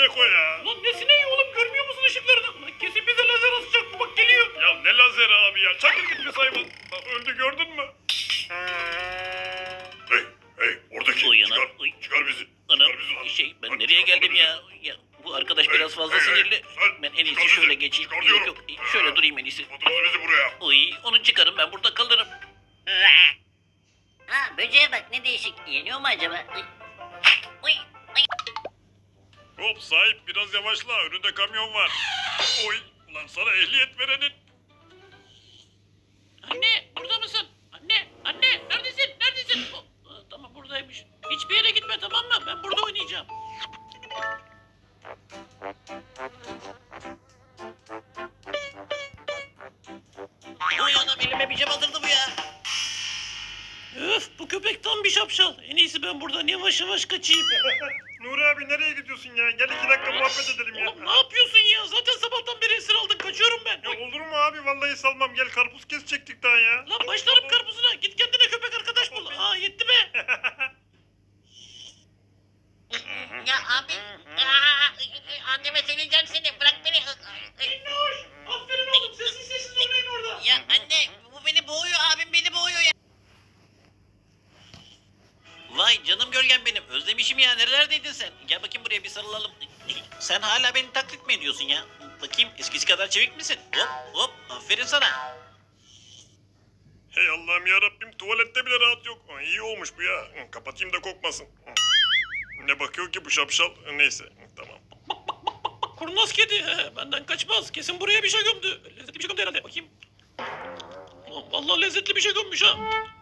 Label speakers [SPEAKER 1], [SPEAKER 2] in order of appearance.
[SPEAKER 1] Eko ya.
[SPEAKER 2] Lan ne sineği oğlum, görmüyor musun ışıklarını? Lan kesin bize lazer atacak bu, bak geliyor.
[SPEAKER 1] Ya ne lazeri abi ya. Çakır git bir hayvan. Öldü gördün mü? Hey oradaki.
[SPEAKER 2] Uy anam,
[SPEAKER 1] Çıkar.
[SPEAKER 2] uy.
[SPEAKER 1] Çıkar bizi.
[SPEAKER 2] Anam
[SPEAKER 1] Çıkar bizi lan.
[SPEAKER 2] ben
[SPEAKER 1] Lan
[SPEAKER 2] nereye
[SPEAKER 1] çıkar
[SPEAKER 2] geldim
[SPEAKER 1] bizi.
[SPEAKER 2] ya? Bu arkadaş
[SPEAKER 1] Hey,
[SPEAKER 2] biraz fazla
[SPEAKER 1] hey, hey,
[SPEAKER 2] sinirli.
[SPEAKER 1] sen
[SPEAKER 2] Ben en iyisi
[SPEAKER 1] çıkar bizi.
[SPEAKER 2] şöyle geçeyim.
[SPEAKER 1] Çıkar
[SPEAKER 2] Yok
[SPEAKER 1] diyorum.
[SPEAKER 2] yok, şöyle durayım en iyisi.
[SPEAKER 1] Tutmadınız bizi buraya.
[SPEAKER 2] Uy, onu çıkarın, ben burada kalırım.
[SPEAKER 3] Ha, böceğe bak ne değişik. Yeniyor mu acaba? Uy. Uy. Uy.
[SPEAKER 1] Hop sahip biraz yavaşla. Önünde kamyon var. Oy. Ulan sana ehliyet verenin.
[SPEAKER 2] Anne, burada mısın? Anne, neredesin? Neredesin? Tamam, buradaymış. Hiçbir yere gitme, tamam mı? Ben burada oynayacağım. Oy anam, elime bir cam atırdı bu ya. Öf, bu köpek tam bir şapşal. En iyisi ben buradan yavaş yavaş kaçayım.
[SPEAKER 1] Nuri abi nereye gidiyorsun ya? Gel 2 dakika muhabbet edelim ya.
[SPEAKER 2] Oğlum ne yapıyorsun ya? Zaten sabahtan beri esir aldın. Kaçıyorum ben.
[SPEAKER 1] Ya olur mu abi? Vallahi salmam. Gel karpuz kesecektik daha ya.
[SPEAKER 2] Lan başlarım karpuzuna. Git kendine köpek arkadaş bul. Aa, yetti be.
[SPEAKER 3] Ya abi. Anneme söyleyeceğim seni. Bırak beni.
[SPEAKER 2] Minnoş. Aferin oğlum. Sessiz sessiz oynayın orada.
[SPEAKER 3] Ya anne bu beni boğuyor. Abim beni boğuyor ya.
[SPEAKER 2] Vay canım gölgem benim. Özlemişim ya. Nerelerdeydin sen? Gel bakayım buraya, bir sarılalım. Sen hala beni taklit mi ediyorsun ya? Bakayım, eskisi kadar çevik misin? Hop hop. Aferin sana.
[SPEAKER 1] Hey Allah'ım ya Rabbim, tuvalette bile rahat yok. İyi olmuş bu ya. Kapatayım da kokmasın. Ne bakıyor ki bu şapşal? Neyse tamam.
[SPEAKER 2] Bak, kurnaz kedi. Benden kaçmaz. Kesin buraya bir şey gömdü. Lezzetli bir şey gömdü herhalde. Bakayım. Ulan vallahi lezzetli bir şey gömmüş ha.